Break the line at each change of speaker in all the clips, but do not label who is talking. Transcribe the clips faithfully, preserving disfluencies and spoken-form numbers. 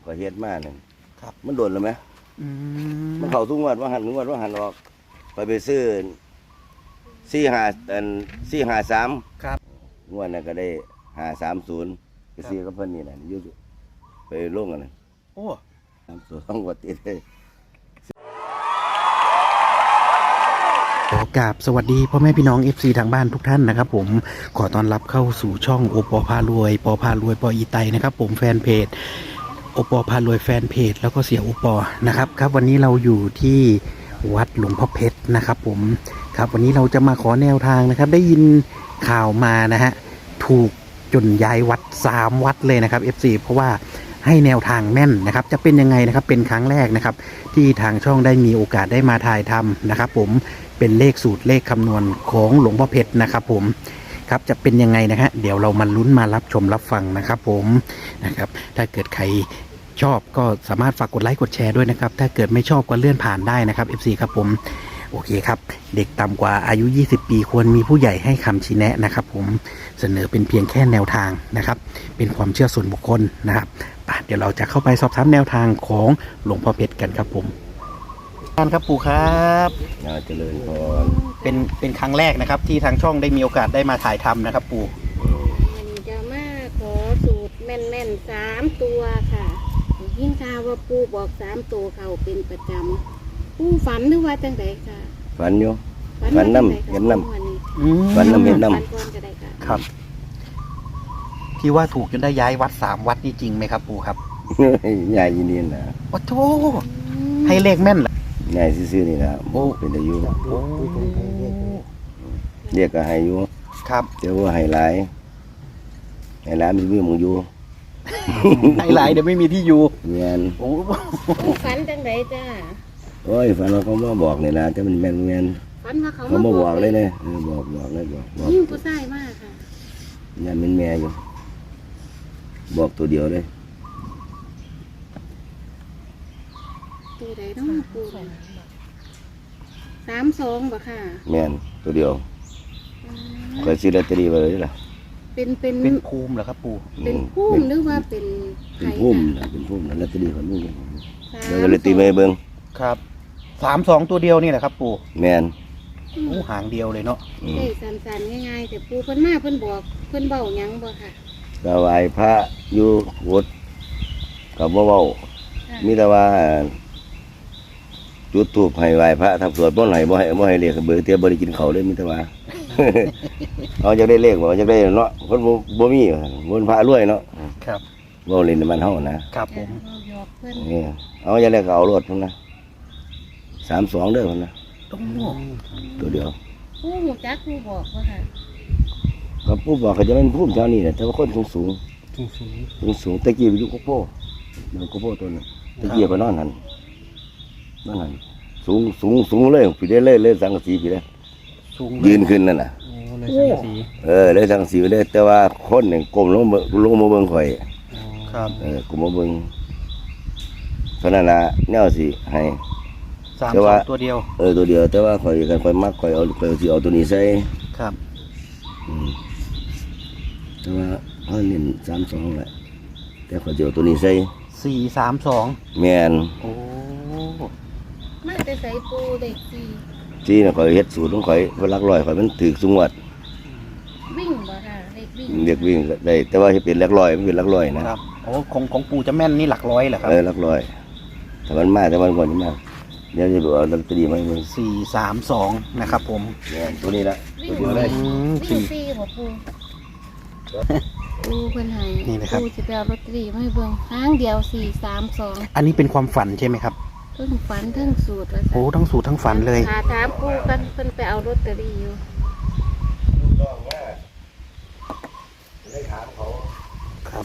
ก็เฮ็ดมาหนึ่ง
ครับ
มันโดนแล้วไหม
อืม
มันเข้าทุกงวดว่าหันงวดว่าหันออกไปไปซื้อสี่ห้าอันสี่ห้าสาม
ครับ
งวดนั้นก็ได้ห้าสามศูนย์ไปซื้อกับเพิ่นนี่แหละอยุ่ไปลงกันนะ
โอ้
สามศูนย์ต้องวัดติดเลย
ขอกราบสวัสดีพ่อแม่พี่น้อง เอฟ ซี ทางบ้านทุกท่านนะครับผมขอต้อนรับเข้าสู่ช่องโอปอพารวยปอพารวยปออีไตนะครับผมแฟนเพจโอปอพารวยแฟนเพจแล้วก็เสียโอปอนะครับครับวันนี้เราอยู่ที่วัดหลวงพ่อเพชรนะครับผมครับวันนี้เราจะมาขอแนวทางนะครับได้ยินข่าวมานะฮะถูกจนย้ายวัดสามวัดเลยนะครับ เอฟ ซี เพราะว่าให้แนวทางแม่นนะครับจะเป็นยังไงนะครับเป็นครั้งแรกนะครับที่ทางช่องได้มีโอกาสได้มาถ่ายทำนะครับผมเป็นเลขสูตรเลขคำนวณของหลวงพ่อเพชรนะครับผมครับจะเป็นยังไงนะฮะเดี๋ยวเรามาลุ้นมารับชมรับฟังนะครับผมนะครับถ้าเกิดใครชอบก็สามารถฝากกดไลค์กดแชร์ด้วยนะครับถ้าเกิดไม่ชอบก็เลื่อนผ่านได้นะครับ เอฟ ซี ครับผมโอเคครับเด็กต่ำกว่าอายุยี่สิบปีควรมีผู้ใหญ่ให้คำชี้แนะนะครับผมเสนอเป็นเพียงแค่แนวทางนะครับเป็นความเชื่อส่วนบุคคลนะครับเดี๋ยวเราจะเข้าไปสอบถามแนวทางของหลวงพ่อเพชรกันครับผมท่านครับปู่ครับ
งานเจริญพร
เป็นเป็นครั้งแรกนะครับที่ทางช่องได้มีโอกาสได้มาถ่ายทำนะครับปู่
มันจะมาขอสูตรแม่นๆสามตัวค่ะยิ่งข่าวว่าปูบอกสามตัวเขาเป็นประจำปูฝันหรือว่าจังไดค่ะ
ฝันอยู่
ว่า
ฝันนำ
จั่งใดคะ
เห็นนำ
วันนี้
ฝันนำเห็นนำ
ฝันก่อนก็ได้ค่ะ
ครับ ที่ว่าถูกจนได้ย้ายวัดสามวัดนี่จริงไหมครับปู่ครับ
ยายยินดีนะ
โอ้โหให้เลขแม่นเหรอย
ายซื่อๆนี่นะ
โอ้
เป็นอายุ
โอ้
เรียกก็ให้อยู่
ครับ
แต่ว่าให้หลายให้หลายมันมีหมึงอยู่
ให้หลายเดี๋ยวไม่มีที่อยู่
เงี้ย
โอ้
ปูฝันจังไดจ้า
โอ้ยฝันเราเขามาบอกนี่นะแต่มันแม่นแม่น
ฝันว่าเขา
เขามาบอกเลยเนี่ยเออบอกบอกเลยบอกบอก
ยิ่งผู้ชายมากค่ะ
ยันเป็นแม่อยู่บอกตัวเดียวเลย
ตัวใดน้องปูสามสองบ่ค่ะ
แม่นตัวเดียว
อืม
ก็ซื้อลอตเตอรี่ไปเลยล่ะ
เป็นเป็น
เป็นภูมิเหรอครับปู่
เป็นพุ่มหรือว่าเป็น
เป็น
ไข่
พุ่ม
ค่ะ
นะเป็นพุ่มนะลอตเตอรี่ของมึง
สาม
เดี๋ยวก็เลยตีไปเบิ่ง
ครับสามสองตัวเดียวนี่แหละครับปู่
แม่น
โอ้หางเดียวเลยเนาะ
อืม
ได้สันๆง่ายๆแต่ปูเพิ่นมาเพิ่นบอกเพิ่นเบ้าหยังบ่ค่ะ
ก็ไหว้พระอยู่วัดกับบ่เว้า
ค่ะ
มีแต่ว่าจุดธูปให้ไหว้พระทำสวดบ่ให้บ่ให้บ่ให้เลขเบิกเตี้ยบ่ได้กินข้าวเลยมีแต่ว่า เอาจะได้เลขบ่จะได้เนาะคนบ่บ่มีบ่พระรวยเนาะ
ครับ
บ่เล่นในบ้านเฮานะครับ
ผม
เอาหยอกเพิ่น
นี่เอาจะได้ก็เอารถพุ่นนะสามสองเด้อพุ่นนะ
โอ้
ตัวเดียว
ปูหูจักปูบอกว่าค่ะ
ก็ผู้บอกเขาจะเป็นผู้เจ้านี่แหละแต่ว่าคนสูงสูง
สูงสูง
สูงสูงตะกี้ไปอยู่กุโป้มันกุโป้ตัวนึงตะกี้ไปนอนหันนอนหันสูงสูงสูงเลยพี่ได้เลยเลยสังกะสีพี่ได้
สูง
ยืนขึ้นนั่นน่ะ
โอ้เลยสังกะสี
เออเลยสังกะสีไปเลยแต่ว่าคนหนึ่งก้มลงมาลงมาเบิ่งข่อย
ครับ
เออก้มมาเบิ่งเท่านั้นละแนวสิให้
สาม
แต่
สอ
ว่า
งตัวเดียว
เออตัวเดียวแต่ว่าข่อยกันข่อยมักข่อยเอาข่อยสิเอาตัวนี้ใส่
ครับ
อืมแต่ว่าเขาเน้นสามสองแหละแต่ข่อยสิเอาตัวนี้ใส่
สี่สามสอง
แม่น
โอ้
มาแต่ใส่ปูเด็กสี่
ที่น่ะข่อยเฮ็ดสูตรของข่อยเพิ่นหลักร้อยข่อยมันถูกสุงวัด
วิ่งบ่ค่ะเด็กวิ่ง
เรียกวิ่งได้แต่ว่าเฮ็ดเป็นหลักร้อยมันเป็นหลักร้อยนะครับ
โอ้ของของปู่จะแม่นนี่หลักร้อยเหรอครับ
เออหลักร้อยถ้ามันมาแต่มันบ่นี่มาเดี๋ยวจะดูเอาลอตเตอรี่มาให้เบิ่ง
สี่สามสองนะครับผม
แม่นตัวนี้ละ
วิ่
ตัว
ง
เดียวเลย
อืม
วิ่ง
สี่
สี่บ่ปูปูเพิ่นให้
นี่นะครับ
ปูสิไปเอาลอตเตอรี่มาให้เบิ่งครั้งเดียวสี่สามสอง
อันนี้เป็นความฝันใช่ไหมครับ
เพิ่งฝันเพิ่งสูตรว่า
โอ้ทั้งสูตรทั้งฝันเลย
หาถามปูกันเพิ่นไปเอาลอตเตอรี่อยู่
ครับ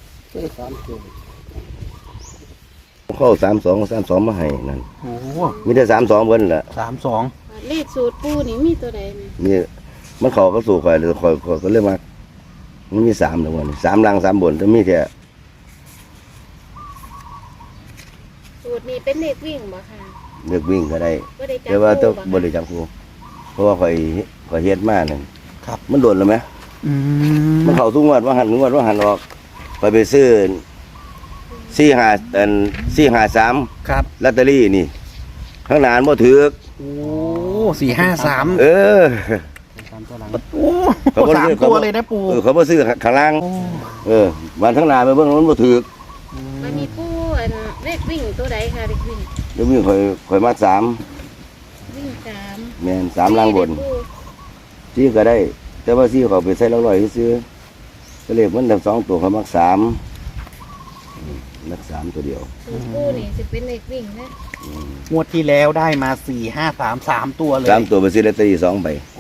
เข้าสามสองสามสองมาให้นั่น
โอ้
มีแต่สามสองเพิ่นล่ะ
สามสอง
เลขสูตรปูนี่มีตัวใดนี่
มีมันเข้าก็สู่ข่อยเลยข่อยข่อยก็เลยมามันมีสามทั้งหมดนี่สามล่างสามบนแต่มีแค่
สูตรนี้เป็นเลขวิ่งบ่ค่ะ
เลือกวิ่งก็ได้
บ่ได้จับ
แต่ว่าต้อง
คู่
บ่ได้จับครูเพราะว่าข่อยข่อยเฮ็ดมานั่น
ครับ
มันโดนแล้วไหม
อืม
มันเข้าทุกงวดว่าหันงวดว่าหันออกไปไปซื้อสี่ห้าอันสี่ห้าสาม
ครับ
ลอตเตอรี่นี่ข้างหน้าบ่ถือ
โอ้สี่ห้าสาม
เออ
โอ้
เขาบ่
สาม
ซื้อ
ตัว
เขาบ่
เลยนะปู่
เออเขาบ่ซื้อข้างล่าง
โอ้
เออวันข้างหน้าไปเบิ่งมันบ่ถือ
มันมีปูอันเลขวิ่งตัวใดค่ะเลขวิ่ง
เดี๋ยวมีข่อยข่อยมาสาม
วิ่งสาม
แม่นสามล่างบน
ปู
ซี่ก็ได้ แต่ว่าซี่เขาไปใส่ละร้อยซื้อก็เลขมันทั้งสองตัวเขามักสามอืมมักสามตัวเดียว
สูตรปูนี่จะเป็นเลขวิ่งนะ
งวดที่แล้วได้มาสี่ห้าสามสามตัวเลย
สามตัวไปซื้อลอตเตอรี่สองใบ
โอ้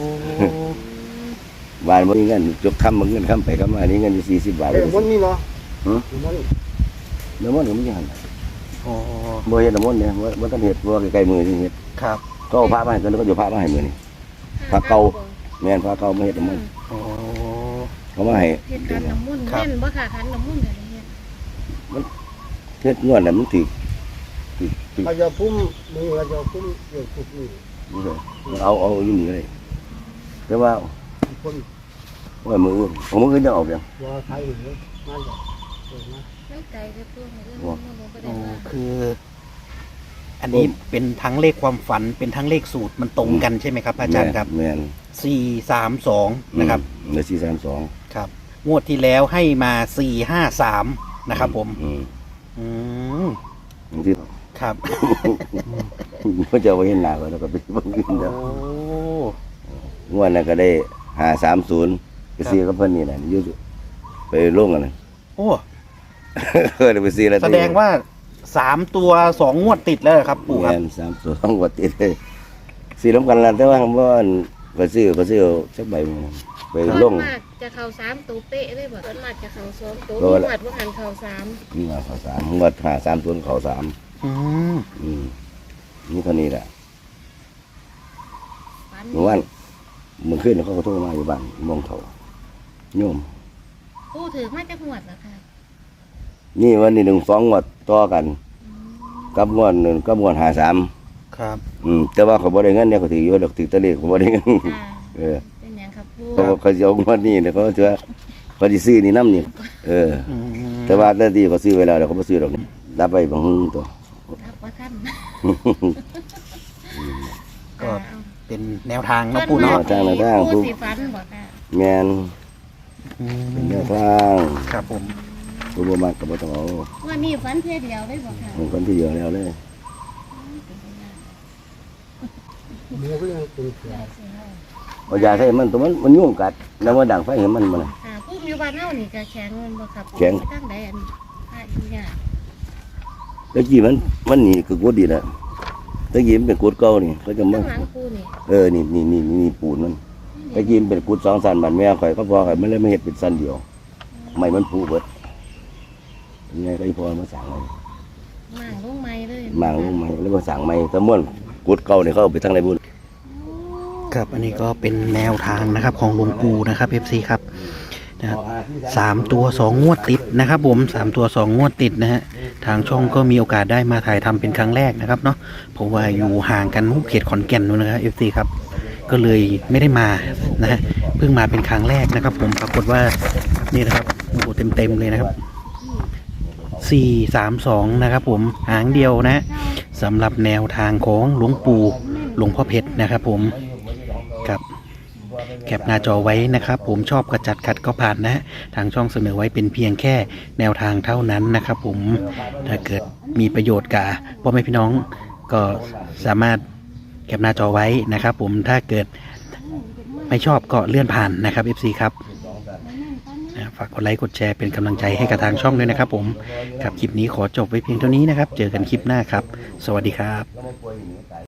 วานบ่มีเงินจกคำบ่เงินคำไปคำมานี่เงินอยู่สี่สิบบาท
เอ้ยมันมีเนาะ
หือ
มัน
น้ำมันต์ก็มีหัน
โอ้
บ่เฮ็ดน้ำมันต์เนี่ยบ่บ่ทันเฮ็ดบ่ใกล้ๆมือนี่เฮ็ด
ครับ
ก็เอาพระมาให้กันแล้วก็จะพระมาให้มื้อนี้ พระเก่า แม่นพระเก่ามาเฮ็ดน้ำมันต์
โอ้
เขามาให้
เฮ็ดขันน้ำมุ่นต์
ครับ
แม่นบ่ค่ะขันน้ำมุ่นต์กันเนี่ย
เฮ็ดงวดน่ะมันถูกถูกถูก
เขาจะพุ่มมือเขาจะพุ่มเกี่ยวกับนี่
นี่เลยเอาเอาอยู่นี่ก็ได้แต่ว่า
คน
ว่ามืออื่นของมืออื่นจะออกยัง
ว่าไทยหรือมาจากเกิดมา
ไม่ไกลเลยปูเรื่อง
ว้า
น้ำมุ่นต์ก็
โอ้
ได้ว่า
คือ อันนี้เป็นทั้งเลขความฝันเป็นทั้งเลขสูตรมันตรงกันใช่ไหมครับอาจารย์ครับ
แม่น
สี่สามสองนะครับ
เหลือสี่สามสอง
ครับ งวดที่แล้วให้มาสี่ห้าสามนะครับผม
อืม
อืม
ที่
ครับ
เขาจะเอาไว้เห็นหน้าเขาแล้วก็ไปเบิ่งอื่น
โอ้
แล้วงวดนั้นก็ได้ห้าสามศูนย์ไปซื้อกับเพิ่นนี่แหละอยู่ไปลงกันนะ
โอ้
เออเดี๋ยวไปซื้อแล้ว
แสดงว่าสามตัวสองงวดติดแล้วเหรอครับปู่ครับ
แม่นสามสองกว่าติดเลยซื้อน้ำกันละแต่ว่าคำว่าก็ซื้อก็ซื้อสักใบหนึ่งไปลง
ส่วนมากจะเข้าสามตัวเป๊ะเลยบ่ส่วนมากจะเข้าสองตัว
โด
มี
นละ
วัดว่าหันเข้าสาม
นี่มาเขาสามงวดหาสามตัวเขาสาม
อืม
อืมนี่เท่านี้แหละ
ฝัน
เมื่อวานเมื่อคืนเขาก็โทรมาอยู่บ้านมองเขาโยม
ปูถือมาจากหวดเหรอคะ
นี่วันนี้หนึ่งสองงวดต่อกัน กับงวดหนึ่งกับงวดหาสาม
ครับ
อืมแต่ว่าเขาบ่ได้เงินเนี่ยเขาถืออยู่ดอกถือตะเลขเขาบ่ได้เงิน
อ่า
เออ
เป็นหยังครับปู
เขาเขาจะเอางวดนี้เนี่ยเขาจะเขาจะซื้อนี่น้ำนี่เออ
อืม
แต่ว่าแต่ที่เขาซื้อไว้แล้วเดี๋ยวเขาไม่ซื้อหรอกรับไปบางตัว
รับว่าท่าน
ก็ เป็นแนวทาง
ส่
เนาะ
วน
ปู่
มา
เนาะ
กที่ปูสีฟันบ่ค่ะ
แมน
อื
เป็น
ม
แนวทาง
ครับผม
ตัวบ่มากกับบ่ต้องเอา
วันนี้ฟันเพียเดียวได้บ่ค่ะ
ของคนที่เยอะแล้วเลย
หมูก็ยังเป็นเสือ
เอายาใส่มันตัวมันมันยุ่งกัดแล้วมันดังไฟเห็นมันมัน
อ่าผู้อยู่บ้านเฮานี่ก็แข็งแม่นบ่ครับ
แข็ง
ตั้งใดอันพระอีหยา
ตะกี้มันมันหนีคือกดดีแล้วตะกี้มันเป็นกดเก่านี่เขาจะมา
ข้างหลังปูนี่
เออนี่นี่นี่นี่ปูนมันตะกี้มันเป็นกดสองสันบันแม่ข่อยก็พอข่อยมันเลยไม่เห็ดเป็นสันเดียวไม่มันผูเบิดยังไงก็อีพอมาสั่งเลย
มางลงไม้เลย
มางลงมาแล้วมาสั่งไม่ตะม่วนกดเก่านี่เขาเอาไปทางไหนบุญ
ครับอันนี้ก็เป็นแนวทางนะครับของหลวงปู่นะครับเอฟซีครับนะครับสามตัวสองงวดติดนะครับผมสามตัวสองงวดติดนะฮะทางช่องก็มีโอกาสได้มาถ่ายทำเป็นครั้งแรกนะครับเนาะเพราะว่าอยู่ห่างกันเขตขอนแก่นนู่นนะครับเอฟซีครับก็เลยไม่ได้มานะฮะเพิ่งมาเป็นครั้งแรกนะครับ ผมปรากฏว่านี่นะครับโอ้โหเต็มๆเลยนะครับสี่สามสองนะครับผมหางเดียวนะสำหรับแนวทางของหลวงปู่หลวงพ่อเพชรนะครับผมครับแคปหน้าจอไว้นะครับ ผมชอบกระจัดขัดก็ผ่านนะ ทางช่องเสนอไว้เป็นเพียงแค่แนวทางเท่านั้นนะครับ ผมถ้าเกิดมีประโยชน์กับพ่อแม่พี่น้องก็สามารถแคปหน้าจอไว้นะครับ ผมถ้าเกิดไม่ชอบก็เลื่อนผ่านนะครับ เอฟ ซี ครับฝากกดไลค์กดแชร์เป็นกำลังใจให้กับทางช่องด้วยนะครับ ผมครับคลิปนี้ขอจบไว้เพียงเท่านี้นะครับ เจอกันคลิปหน้าครับ สวัสดีครับ